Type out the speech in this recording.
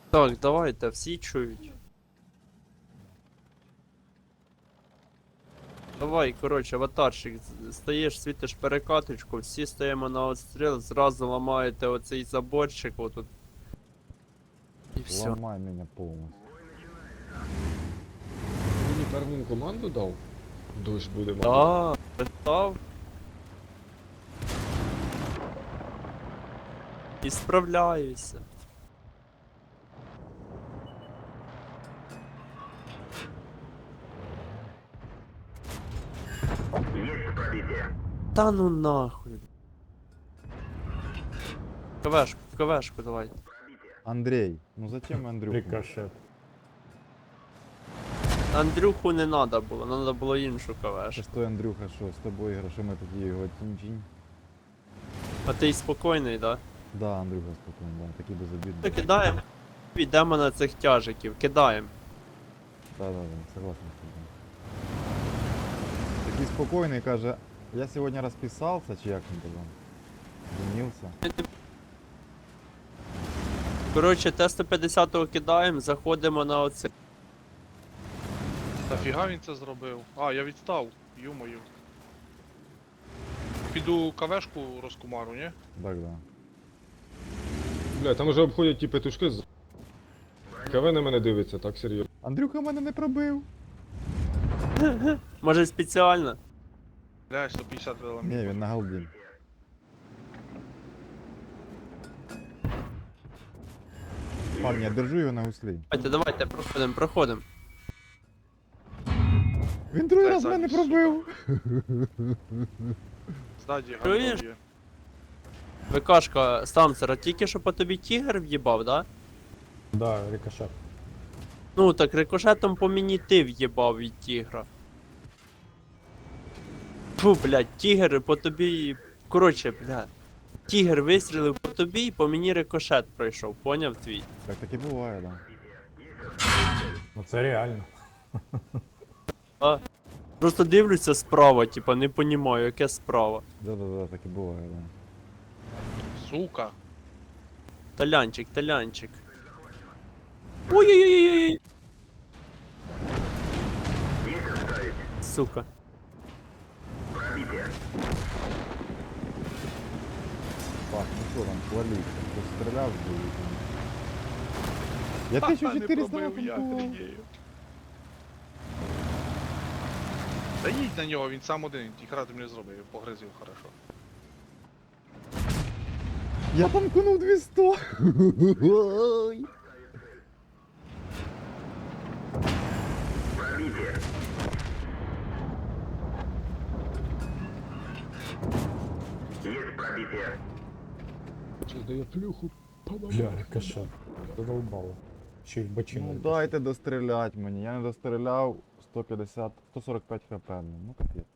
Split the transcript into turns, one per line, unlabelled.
Так, давайте, всі чують. Давай, коротше, аватарчик, стаєш, світиш перекаточку, всі стоїмо на отстріл, зразу ламаєте оцей заборчик отут. І все.
Ломай меня полностью.
Мені перву команду дав? Дощ буде, мабуть.
Да, питав. І справляюся. Та ну нахуй. КВшку давай.
Андрей, ну зачем Андрюху?
Рикошет.
Андрюху не надо було іншу КВшку.
Шестой Андрюха, что с тобой игра, что мы такие его тинь-тинь?
А ти спокійний, да?
Да, Андрюха спокойно, да, такие безобидные.
То кидаємо. Йдемо на цих тяжиків, кидаємо.
Да, согласен с тобой. Такий спокойный, каже, я сегодня расписался, чи як він казав? Женился.
Коротше, Т-150 кидаємо, заходимо на оце.
Нафіга він це зробив? А, я відстав. Ю-мою. Піду кавешку розкумару, ні?
Так, да.
Бля, там вже обходять ті петушки з... КВ на мене дивиться, так серйозно.
Андрюха мене не пробив.
Може спеціально?
Бля, 150 вела.
Ні, він на голді. Парні, я держу його на гуслі.
Давайте, проходимо.
Він другий
Дай
раз мене
задню,
пробив.
Ззаді
Чуєш?
гандон є.
ВКшка, Стамсера, тільки що по тобі тігр в'їбав, да?
Да, рикошет.
Ну так рикошетом по мені ти в'їбав від тігра. Фу, блядь, тігр по тобі. Коротше, блядь. Тігр вистрілив по тобі і по мені рикошет пройшов, поняв твій?
Так таки буває, да.
Ну це реально.
Просто дивлюся справа, типа не понімаю, яке справа.
Да, таки буває, да.
Сука.
Талянчик. Ой-ой-ой-ой-ой! Сука.
Так, ну що там, хваліться, хто стріляв, будуть. Я
Ха-ха, не
1400
пробив, я
напомпував.
охренею. Та їдь на нього, він сам один, ті грати не зробив, погризив хорошо.
Я танкнув 200. Ой.
Це дає плюху.
Бля, рикошет. Задолбало. Ще й в бочину.
Ну дайте дострілять мені, я не достріляв 150, 145 хп, ну капець.